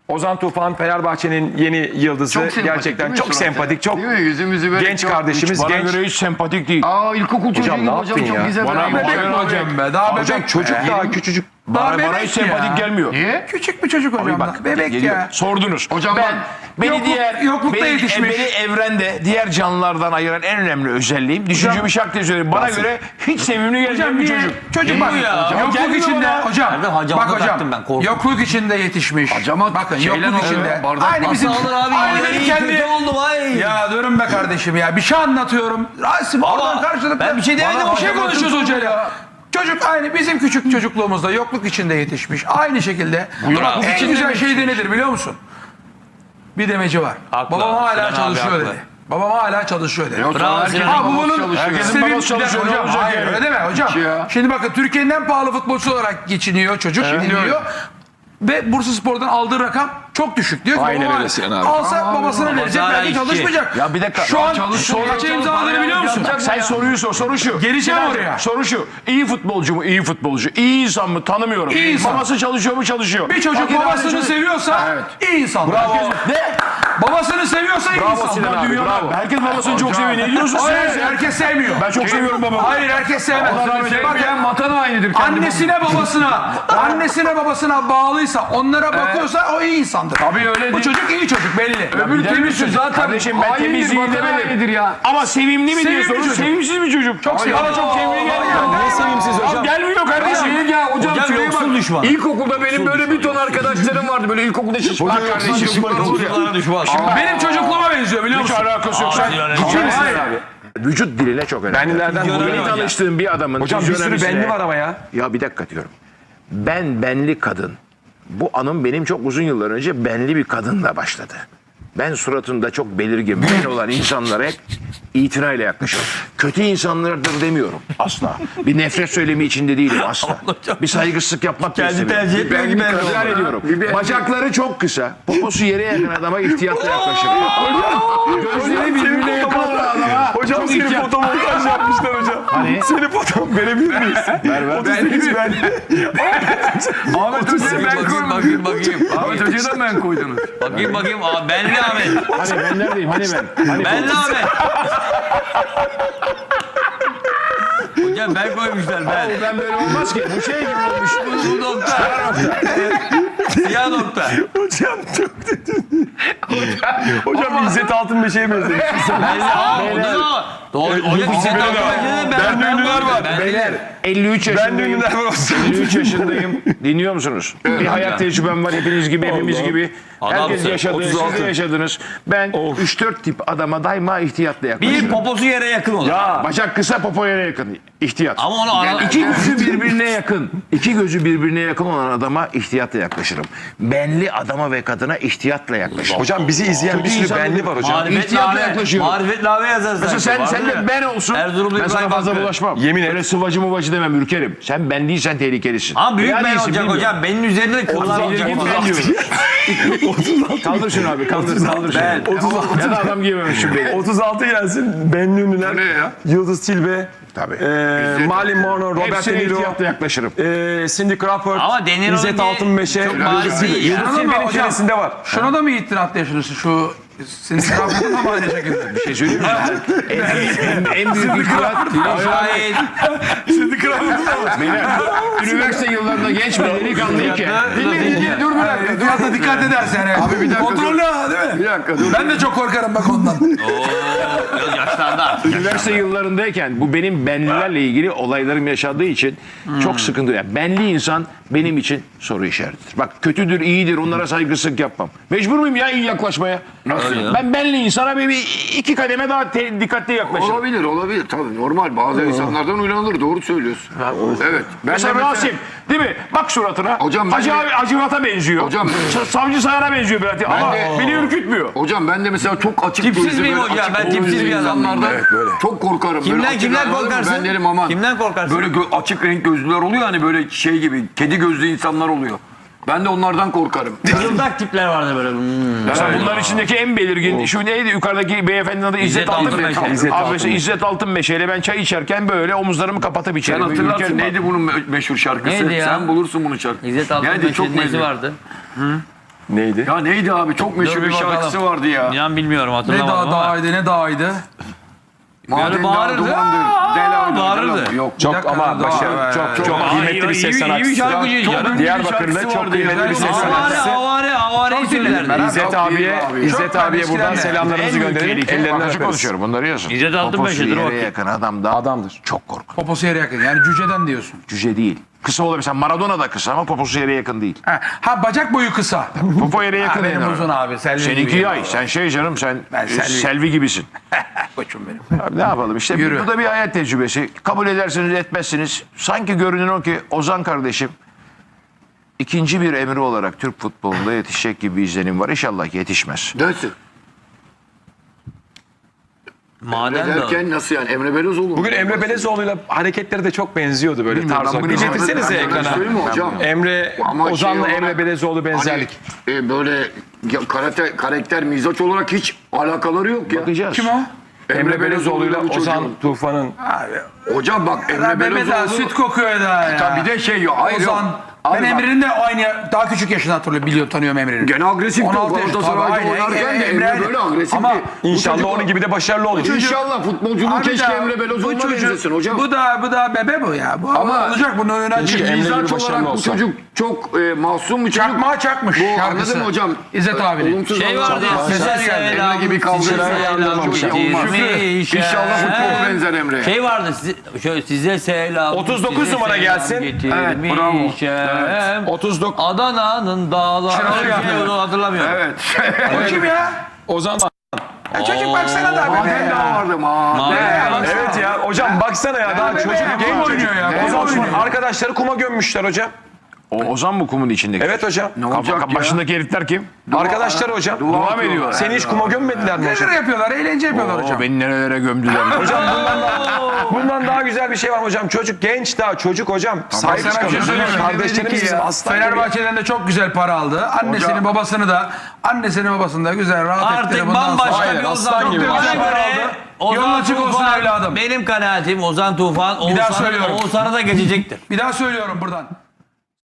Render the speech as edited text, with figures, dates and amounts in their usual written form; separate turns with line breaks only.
Ozan Tufan Fenerbahçe'nin yeni yıldızı. Gerçekten çok sempatik, çok genç kardeşimiz.
Bana
Genç.
göre hiç sempatik değil.
İlkokul çocuğuyum
ne
hocam,
yaptın
çok
ya?
güzel.
Bana
Bebek
bebek
mi
hocam
be? Daha
Hocam
bebek
çocuk
ya.
daha küçücük.
Bana
bebek
hiç
ya.
sempatik gelmiyor.
Niye?
Küçük bir çocuk hocam.
Bak,
Bebek
geliyor.
ya.
Sordunuz.
Hocam
Yoklukta yetişmiş.
Beni evrende diğer canlılardan ayıran en önemli özelliğim. Düşüncemi şak söyleyeyim. Bana göre hiç sevimli gelmeyen bir çocuk.
Çocuk bak. Yokluk
Gelmiyor
içinde
bana.
hocam. Bak hocam. Yokluk içinde yetişmiş. Bakın yokluk içinde. Aynı bizim. Aynı benim kendi.
oldum ay.
Ya durun be kardeşim ya. Bir şey anlatıyorum. Rasim oradan karşılıklı.
ben bir şey demedim,
Bir şey
hocam.
konuşuyoruz hocayla. Çocuk aynı bizim küçük çocukluğumuzda yokluk içinde yetişmiş. Aynı şekilde. En güzel şey de nedir biliyor musun? Bir demeci var.
Haklı.
Babam hala
Sinan abi
çalışıyor
haklı.
dedi. Babam hala çalışıyor dedi.
Bravo Sinan abi.
Bu bunun
Herkesin babası çalışıyor,
hocam.
olacak
Hayır
yani.
öyle deme hocam. Şimdi bakın Türkiye'nin en pahalı futbolcusu olarak geçiniyor çocuk. Dinliyor. Ve Bursaspor'dan aldığı rakam çok düşük. Diyor ki
Aynen
baba
öyle Sinan abi.
alsa babasına verecek
hala
belki
işçi.
çalışmayacak.
Ya bir dakika.
Şu an kaça imzaladığını biliyor musun?
Sen soruyu sor. Soru şu.
Geleceğim
Sinan,
oraya.
Soru şu. İyi futbolcu mu? İyi futbolcu. İyi insan mı? Tanımıyorum.
İyi insan.
Babası çalışıyor mu? Çalışıyor.
Bir çocuk
Fakir
babasını
aile
seviyorsa iyi insan.
Bravo. Ne?
Babasını seviyorsa iyi insan.
Sinan abi,
Dünyada
bravo.
bu.
Herkes babasını çok seviyor. Ne diyorsun
Hayır
sen?
herkes sevmiyor.
Ben çok seviyorum babamı.
Hayır herkes sevmez. Bakın
vatan hainidir.
annesine babasına bağlıysa onlara bakıyorsa o iyi insandır.
Tabii öyle
Bu çocuk iyi çocuk belli.
Öbür temizsiz zaten.
Kardeşim ben temizliği demedim.
ya.
Ama sevimli mi diye
Sevimli
soruyorsun.
çocuk.
Sevimsiz bir çocuk. Çok
sevimli.
Bana çok sevimli gelmiyor.
Niye sevimsiz hocam?
Gelmiyor kardeşim.
Hocam
Hocam
şuraya
yoksul
bak.
düşman.
İlkokulda benim böyle bir ton arkadaşlarım vardı. Böyle ilkokulda şişman kardeşim.
Çocuklara düşman.
Benim çocukluğuma benziyor biliyor
Hiç
musun?
alakası yok. Sen
Hayır.
vücut diline çok önemli.
Benlilerden
Yeni
vuruyor.
tanıştığım bir adamın
Hocam bir sürü
fizyonomisine-
benli var ama ya.
Ya bir dakika diyorum. Benli kadın. Bu anım benim çok uzun yıllar önce benli bir kadınla başladı. Ben suratında çok belirgin ben olan insanlara hep itinayla yaklaşıyorum. Kötü insanlardır demiyorum asla. Bir nefret söylemi içinde değilim asla. Bir saygısızlık yapmak da istemiyorum.
tercih etmiyor gibi belli
İkrar
oldu.
ediyorum. Bacakları çok kısa. Poposu yere yakın adama ihtiyatla yaklaşırım. Gözleri birbirine yakın olan adama
Hocam
çok
seni
ihtiyat.
fotomontaj yapmışlar hocam.
Hani?
Seni foto verebilir miyiz?
Ver.
38 ben.
Ahmet Hoca'yı ben koydum.
Bakayım.
Ahmet Hoca'yı da ben koydunuz.
Bakayım. Aa, Benli Ahmet.
Hani ben neredeyim? Hani ben? Hani
Benli Ahmet. Hocam ben koymuşlar ben.
ben böyle olmaz ki. Bu şey gibi olmuş.
Bu nokta. Siyah nokta.
Hocam çok Hocam İzzet Altınbeş'e benzemiş.
Benli Ahmet. Hocam bir şey
Bende ünlüler var.
Beyler 53
Bende
yaşındayım.
ünlüler var olsun.
53 yaşındayım. Dinliyor musunuz? Bir hayat tecrübem var hepiniz gibi, hepimiz gibi. Herkes
Adamsın.
yaşadı, siz
36.
de yaşadınız. Ben 3-4 tip adama daima ihtiyatla yaklaşırım.
Bir poposu yere yakın olur.
Bacak kısa, popo yere yakın. İhtiyat.
Ama onu ara...
İki gözü birbirine yakın. İki gözü birbirine yakın olan adama ihtiyatla yaklaşırım. Benli adama ve kadına ihtiyatla yaklaşırım.
Hocam bizi izleyen bir sürü
insan
benli var hocam.
Marifet
İhtiyatla
lave.
yaklaşıyorum.
Marifet lave yazarsın.
Mesela sen de ben olsun.
Erzurumlu
Ben sana
İbrahim
fazla
Hakkı.
bulaşmam.
Yemin et.
Öyle sıvacı muvacı demem, ürkerim. Sen ben değilsen tehlikelisin.
Ama büyük
Veya
ben
değilsin,
olacak
bilmiyorum.
hocam. Benim üzerinde de kıllar olacak.
Belirgin ben diyorum. Kaldır şunu abi, kaldır şunu. Ya da adam giyememişim beni.
36 gelsin. Benli ünlüler.
Ne ya?
Yıldız Tilbe.
Tabii.
Marilyn Monroe, Robert
Hepsine
De Niro.
ihtiyatla yaklaşırım.
Cindy Crawford.
Ama De Niro'nun
İzzet
bir-
Altınbeş'e.
çok bariz değil ya.
Yıldız
Ama
Tilbe'nin
hocam-
içerisinde var.
Şuna da mı itiraf yaşıyorsun şu senin tarafında mı aynı şekilde?
Bir şey söyleyeyim mi? en büyük ihtiyat.
Şahit.
Beyler, üniversite yıllarında genç bir delikanlıyken.
Dur bir dakika. Biraz da dikkat edersen. Abi
bir dakika
Kontrollü ha değil mi?
Bir dakika dur.
Ben de çok korkarım bak ondan.
Biraz yaşlarda.
Üniversite yıllarındayken bu benim benlilerle ilgili olaylarım yaşadığı için çok sıkıntı. Yani benli insan benim için soru işaretidir. Bak kötüdür, iyidir, onlara saygısızlık yapmam. Mecbur muyum ya iyi yaklaşmaya?
Nasıl ya?
Ben benli insana bir iki kademe daha dikkatli yaklaşırım.
Olabilir tabii normal bazı insanlardan uylanılır doğru söylüyorsun. Evet. Ben
Mesela
de
Rasim değil mi? Bak suratına.
Hocam ben
Hacı
de-
abi Hacivat'a benziyor.
Hocam-
Savcı Sayar'a benziyor biraz. Ama
de-
beni ürkütmüyor.
Hocam ben de mesela çok açık
Tipsiz
gözlü,
miyim
böyle
hocam?
açık
Ben tipsiz
gözlü
bir adamım.
insanlardan
Evet, böyle.
çok korkarım. Böyle
Kimden
açık
kimden
anladın mı?
korkarsın?
Ben derim aman.
Kimden korkarsın?
Böyle açık renk gözlüler oluyor hani böyle şey gibi kedi gözlü insanlar oluyor. Ben de onlardan korkarım.
Kızıldak tipler vardı böyle.
Mesela bunların içindeki en belirgin şu neydi yukarıdaki beyefendinin adı İzzet
İzzet
Altınmeşe.
Altınmeşe.
Abi mesela İzzet Altınmeşe ile ben çay içerken böyle omuzlarımı kapatıp
Sen
içerim.
hatırlarsın
Ülkerim
neydi bunun meşhur şarkısı?
Neydi ya?
Sen bulursun bunu şarkısı.
İzzet
Yani
Altınmeşe'nin
çok
nesi
meşhur.
vardı?
Neydi?
Ya neydi abi? Çok meşhur
Dur
bir
bir bakalım.
şarkısı vardı ya.
İnan bilmiyorum
Ne
hatırlamadım ama.
dağıydı ne dağıydı.
Maden
bağırırdı.
dumandır. Del
Bağırırdı.
Yok.
Çok
dakika,
ama
daha-
çok
Aa,
kıymetli bir ses
iyi bir
sanatçısı.
şarkıcı canım.
Diyarbakır'da çok kıymetli bir ses sanatçısı.
Havare söylerdi.
İzzet abiye,
Çok
abiye buradan
eskiden de.
selamlarımızı gönderelim. Ellerinden
Açık
öperiz.
konuşuyorum bunları yazın.
İzzet Altınmeşe'dir
Poposu
o
yere
vakit.
yakın adam da
Adamdır.
çok korkunç.
Poposu yere yakın yani cüceden diyorsun.
Cüce değil. Kısa olabilir. Mesela Maradona da kısa ama poposu yere yakın değil.
Ha bacak boyu kısa.
Popo yere yakın değil.
Benim uzun abi. Selvi
Seninki
gibi.
yay. Sen şey canım sen
Ben Selvi.
Selvi gibisin.
Koçum benim.
Abi ne yapalım işte
Yürü.
bu da bir hayat tecrübesi. Kabul edersiniz etmezsiniz. Sanki görünen o ki Ozan kardeşim ikinci bir Emre olarak Türk futbolunda yetişecek gibi bir izlenim var. İnşallah yetişmez.
Dönsün.
Maden de.
Derken nasıl yani? Emre Belözoğlu.
Bugün Emre Belezoğlu'yla hareketleri de çok benziyordu böyle
Bilmiyorum,
tarz
ben
olarak.
bunu
Bir getirsenize
Ben
ekrana.
söyleyeyim mi hocam?
Emre,
Ama
Ozan'la
şey
Emre
olarak-
Belezoğlu benzerlik.
Hani, böyle karakter, mizaç olarak hiç alakaları yok ya.
Bakacağız.
Kim o?
Emre Belezoğlu'yla
bu çocuğun.
Ozan Tufan'ın.
Hocam bak Emre
Mehmet daha
Belözoğlu.
süt kokuyor daha ya.
Tabii bir de şey yok. Hayır
Ozan.
yok.
Ben
Abi bak,
Emre'nin de aynı daha küçük yaşını hatırlıyorum. Biliyorum tanıyorum Emre'nin.
gene agresif
16 yaş,
Galatasaray'da
tabii, aynen.
oynarken de
Emre
Emre böyle agresif
ama
değil. Bu
İnşallah
çocuk-
onun gibi de başarılı olur.
İnşallah futbolculuğu
Abi
keşke
daha-
Emre
bu
Belözoğlu'na
çocuk-
benzesin hocam.
Bu da bebe bu ya. Bu
Ama-
olacak bunun önüne
Keşke
açık.
Emre gibi
Mizaç
başarılı
olarak bu
olsa.
çocuk çok masum bir çocuk.
Çakmağa çakmış
Bu
şarkısı.
anladın mı hocam?
İzzet abinin.
Olumsuz
Şey
anlamda
vardı ya,
çok
size
güzel geldi.
selam,
Emre gibi kavga
size
eden
selam,
çok şey olmaz.
getirmiş.
İnşallah futbol benzer Emre'ye.
Şey vardı size selam.
39
size
numara
selam
gelsin.
getirmişim.
Evet, bravo.
39.
Adana'nın dağları.
Şenol yapıyor.
Onu hatırlamıyorum.
Evet.
O kim ya?
Ozan.
Ya çocuk baksana da bebe
Maden daha
ya.
vardı. Maden.
Evet ya hocam baksana ya daha çocuk genç
Kum
çocuk.
oynuyor ya.
Ozan
Kum oynuyor.
arkadaşları kuma gömmüşler hocam.
O Ozan mı kumun içindeki?
Evet hocam.
Ne olacak ya?
Başındaki herifler kim?
Arkadaşlar hocam.
Dua mı ediyorlar?
Seni hiç kuma gömmediler mi hocam?
Neler yapıyorlar? Eğlence yapıyorlar hocam.
Oo, beni nerelere gömdüler.
Hocam bundan daha güzel bir şey var hocam. Çocuk genç daha çocuk hocam. Sahip
Sana bir şey
çıkalım.
söyleyeyim mi?
Kardeşlerimiz
Dedi ki
bizim
ya,
aslan gibi.
Fenerbahçe'den de çok güzel para aldı. Annesini babasını da güzel rahat
Artık
ettirdi. Bundan sonra-
bambaşka
Aynen,
bir
aslan
Ozan.
gibi.
Bana
Güzel para
göre
aldı.
Ozan
Yolun açık olsun
Tufan,
evladım.
benim kanaatim Ozan Tufan
Bir daha söylüyorum.
Oğuzhan'a da geçecektir.
Bir daha söylüyorum buradan.